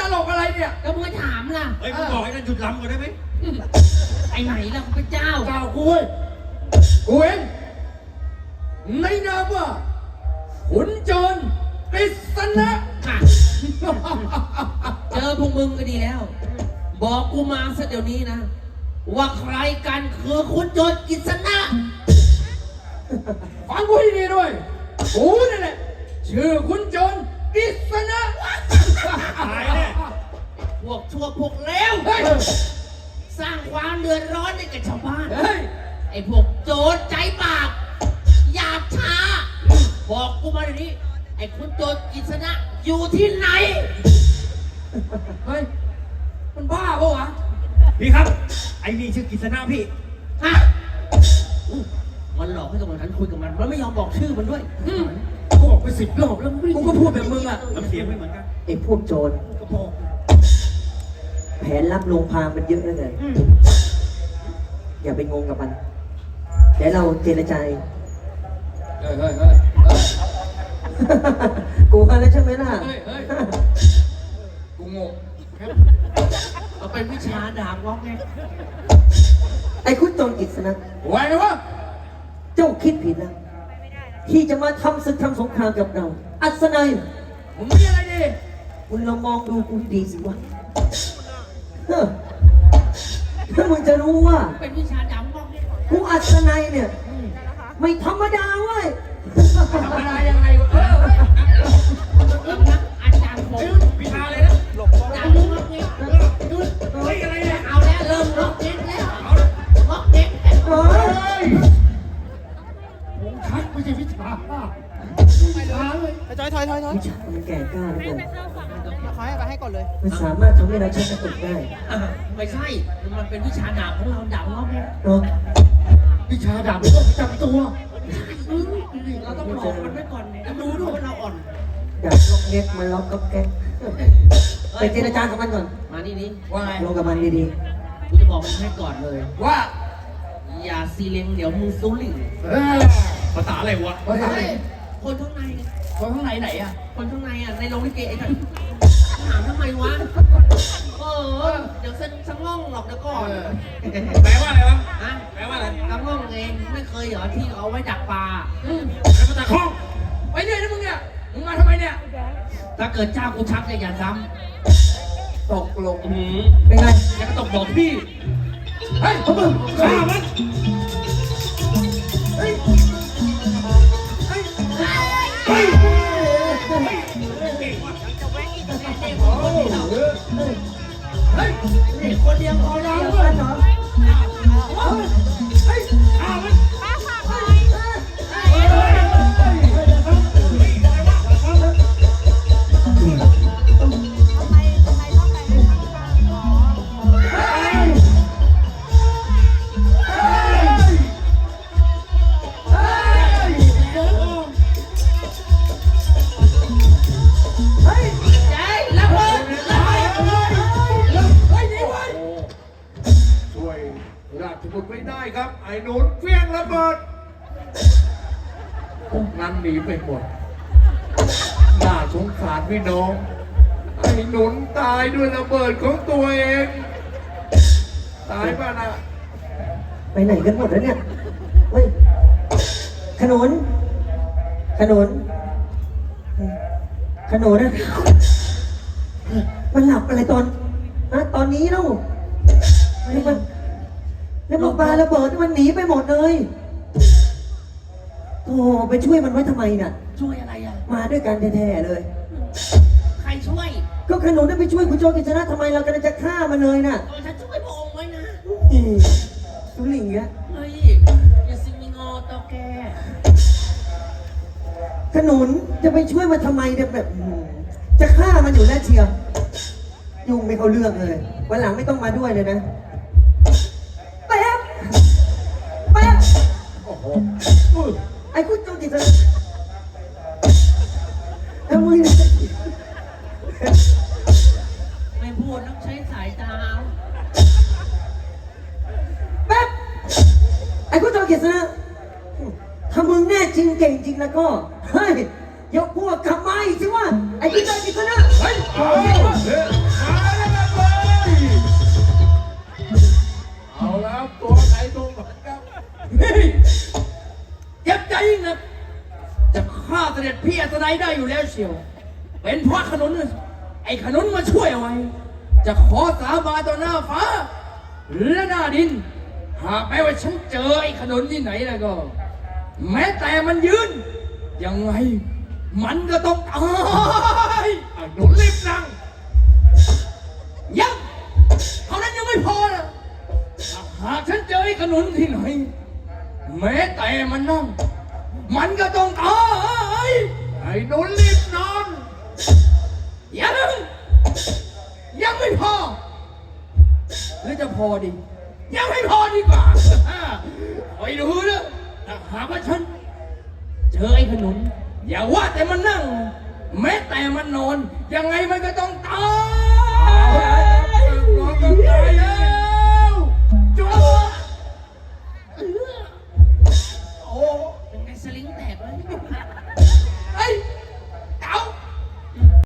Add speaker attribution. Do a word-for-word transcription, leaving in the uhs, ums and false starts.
Speaker 1: ตลกอะไรเนี่ย
Speaker 2: ก็มึงถามล่ะ
Speaker 3: เฮ้ยมึงบอกไอ้นั่นหยุดลำก่อนได้ไหม
Speaker 2: ไอ้ไหนล่ะพระเจ้า
Speaker 1: เจ้ากูเว้ยกูเองในนามว่าขุนโจรกฤษณะ
Speaker 2: ค่ะเจอพวกมึงก็ดีแล้ว บอกกูมาซะเดี๋ยวนี้นะ ว่าใครกันคือคุณโจรกฤษณะ
Speaker 1: ฟังกูให้ดีด้วยกูนี่แหละชื่อขุนโจรกฤษณะ
Speaker 3: ตายแน่
Speaker 2: พวกชั่วพวกเลว
Speaker 1: เฮ้ย
Speaker 2: สร้างความเดือดร้อนให้กับชาวบ้าน
Speaker 1: เฮ้ย
Speaker 2: ไอ้พวกโจรใจบาปหยาบช้า บอกกูมาเดี๋ยวนี้ ไอ้คุณโจรกฤษณะอยู่ที่ไหน
Speaker 1: เฮ้ยมันบ้าปะวะ
Speaker 3: พี่ครับไอ้นี่ชื่อกิษณะพี่
Speaker 2: ฮะอู้มันหลอกให้กับมันฉันคุยกับมัน มันไม่ยอมบอกชื่อมันด้วย
Speaker 1: อืมกูบอกไปสิบรอบแล้วกูก็พูดแบบมึงอ่ะ
Speaker 3: น้ำเสียงไม่เหมือนกัน
Speaker 4: ไอ้พวกโจร
Speaker 3: ก็บอก
Speaker 4: แผนลับลวงพามันเยอะเหลือเกินอย่าไปงงกับมัน เดี๋ยวเราเจรจา
Speaker 1: เฮ้ยเฮ้ยเฮ้ยเฮ้ย
Speaker 4: กูมาแล้วใช่ไหมล่ะ
Speaker 1: เฮ้ยเฮ้ยกูงง
Speaker 2: มันเป็นวิชาดาบล็อกไง
Speaker 4: ไอ้คุณโจรกฤษณะ
Speaker 1: ไหวไหมวะ
Speaker 4: เจ้าคิดผิดแล้วที่จะมาทำศึกทำสงครามกับเรา อัศนัย
Speaker 1: มึงมีอะไรดี
Speaker 4: คุณลองมองดูกูดีสิวะเฮ้อถ้ามึงจะรู้ว่า
Speaker 2: เป็นวิชาดาบล็อกไง
Speaker 4: กูอัศนัยเนี่ย ไม่ธรรมดาเว้ย
Speaker 1: ธรรมดายังไงวะเออเฮ้ย
Speaker 2: เริ่มนะอาจารย์ผม
Speaker 3: วิชาอะไรนะ
Speaker 2: ดาบล็อกไง
Speaker 3: เฮ้ยอะไรเนี่ย
Speaker 2: เอาแล้วเริ่มล็อกเด็กแล้วล็อกเด็ก
Speaker 4: เฮ้ย
Speaker 1: ผมชักไม่ใช่วิชาวิชาเลย
Speaker 5: ถอยถอยถอยถอย
Speaker 4: วิชามันแก่กล้าเหลย
Speaker 5: ขอให้ไปให้ก่อนเลย
Speaker 4: มันสามารถทำให้เราชักกระตุกได้
Speaker 2: อ่ะไม่ใช่ มันเป็นวิชาดาบของเราดาบล็อกไง
Speaker 4: เนาะ
Speaker 1: วิชาดาบมันต้องประจำตัว
Speaker 2: เราต้องหลอกมันไว้ก่อนจะรู้ด้วยว่าเราอ่อน
Speaker 4: อยากล็อกเล็กมันล็อกก็แก๊กไปเจรจากับมันก่อน
Speaker 2: มานี่นี่
Speaker 1: ว่าไง
Speaker 4: ลงกับมันดี
Speaker 2: กูจะบอกมันให้ก่อนเลย
Speaker 1: ว่า
Speaker 2: อย่าซีเลงเดี๋ยวมึงซูลิง
Speaker 1: เออ
Speaker 3: ภาษาอะไรวะ
Speaker 1: ภาษาอะไร
Speaker 2: คนข้างใน
Speaker 1: คนข้างในไหนอ่ะ
Speaker 2: คนข้างในอ่ะในโรงลิเกไอ้กันถามทำไมวะเออเดี๋ยวเส้นสังง่องหรอกเดี๋ยวก่อน
Speaker 3: แปลว่าอะไรวะ
Speaker 2: ฮะ
Speaker 3: แปลว่าอะไร
Speaker 2: สังง่องเองไม่เคยเหรอที่เอาไว้ดักปลาอืม
Speaker 3: แปลว่าตะคอง
Speaker 1: ไปเนี่ยนะมึงเนี่ยมึงมาทำไมเนี่ย
Speaker 2: ถ้าเกิดเจ้ากูชักเนี่ยอย่าซ้
Speaker 1: ตกลง
Speaker 2: ำหืม
Speaker 4: ๆเป็นไง
Speaker 2: ยังก็ตกบอกพี่
Speaker 1: เฮ้ยพวกมึง
Speaker 3: ฆ่ามัน
Speaker 4: เฮ้ย
Speaker 1: เฮ้ย
Speaker 4: เฮ้ย
Speaker 1: เฮ้ย
Speaker 2: เด็กคนเดียวพอแล้ว
Speaker 4: เดี๋ยวกันเหรอ
Speaker 1: เฮ้ย
Speaker 3: ฆ่ามัน
Speaker 4: เฮ้ย
Speaker 2: ใจระเบิดระเบิด
Speaker 1: เฮ้ยนี่เว้ย
Speaker 6: ช่วยราชบุตรไม่ได้ครับ ไอ้หนุนเฟี้ยงระเบิดพวกนั้นหนีไปหมด น่าสงสารพี่น้อง ไอ้หนุนตายด้วยระเบิดของตัวเอง ตายป่ะนะ
Speaker 4: ไปไหนกันหมดแล้วเนี่ย เฮ้ย ขนุน ขนุน ขนุนนะมันหลับอะไรตอนฮะตอนนี้แล้วแล้วมันแล้วมันปาระเบิดมันหนีไปหมดเลยโอ้ไปช่วยมันไว้ทำไมน่ะ
Speaker 2: ช่วยอะไรอ่ะ
Speaker 4: มาด้วยกันแท้ๆเลย
Speaker 2: ใครช่วย
Speaker 4: ก็ขนุนได้ไปช่วยคุณโจรกฤษณะทำไมเรากำลังจะฆ่ามันเลยน่ะ
Speaker 2: โดยฉันช่วยพระองค์ไว้นะ
Speaker 4: อืมสุหลิงเงี้ย
Speaker 2: เฮ้ยอย่าซิมิงอตอแก
Speaker 4: ขนุนจะไปช่วยมันทำไมเนี่ยแบบอืมจะฆ่ามันอยู่แล้วเชียวยุ่งไม่เข้าเรื่องเลยวันหลังไม่ต้องมาด้วยเลยนะแป๊บแป๊บ
Speaker 6: โอ้โห
Speaker 4: ไอ้คุณโจรกฤษณะแล้วมึง
Speaker 2: ไม่พูดต้องใช้สายตา
Speaker 4: แป๊บไอ้คุณโจรกฤษณะถ้ามึงแน่จริงเก่งจริงแล้วก็เฮ้ยยกพวกกลับมาอีกสิวะไอ้คุณโจรกฤษณะ
Speaker 1: เฮ้ย
Speaker 6: เอาเฮ้ยครับ ตัวใครตัวมันครับ
Speaker 1: เฮ้ยเจ็บใจยิ่งนะจะฆ่าเสด็จพี่อัศนัยได้อยู่แล้วเชียว เป็นเพราะขนุนน่ะไอ้ขนุนมาช่วยเอาไว้ จะขอสาบานต่อหน้าฟ้า และหน้าดิน หากแม้ว่าฉันเจอไอ้ขนุนที่ไหนแล้วก็ แม้แต่มันยืน ยังไง มันก็ต้องตาย
Speaker 6: อ่ะหนุนรีบนั่ง
Speaker 1: ยังเท่านั้นยังไม่พอนะหากฉันเจอไอ้ขนุนที่ไหน แม้แต่มันนั่ง มันก็ต้องตาย
Speaker 6: ไอ้หนุนรีบนอน
Speaker 1: ยังยังไม่พอ หรือจะพอดี ยังไม่พอดีกว่าคอยดูนะถ้าหากว่าฉัน เจอไอ้ขนุน อย่าว่าแต่มันนั่ง แม้แต่มันนอน ยังไงมันก็ต้องตาย
Speaker 6: นอนก็ตายแล้ว
Speaker 1: จุ๊บ
Speaker 2: โอ้เป็นไงสลิงแตกเลย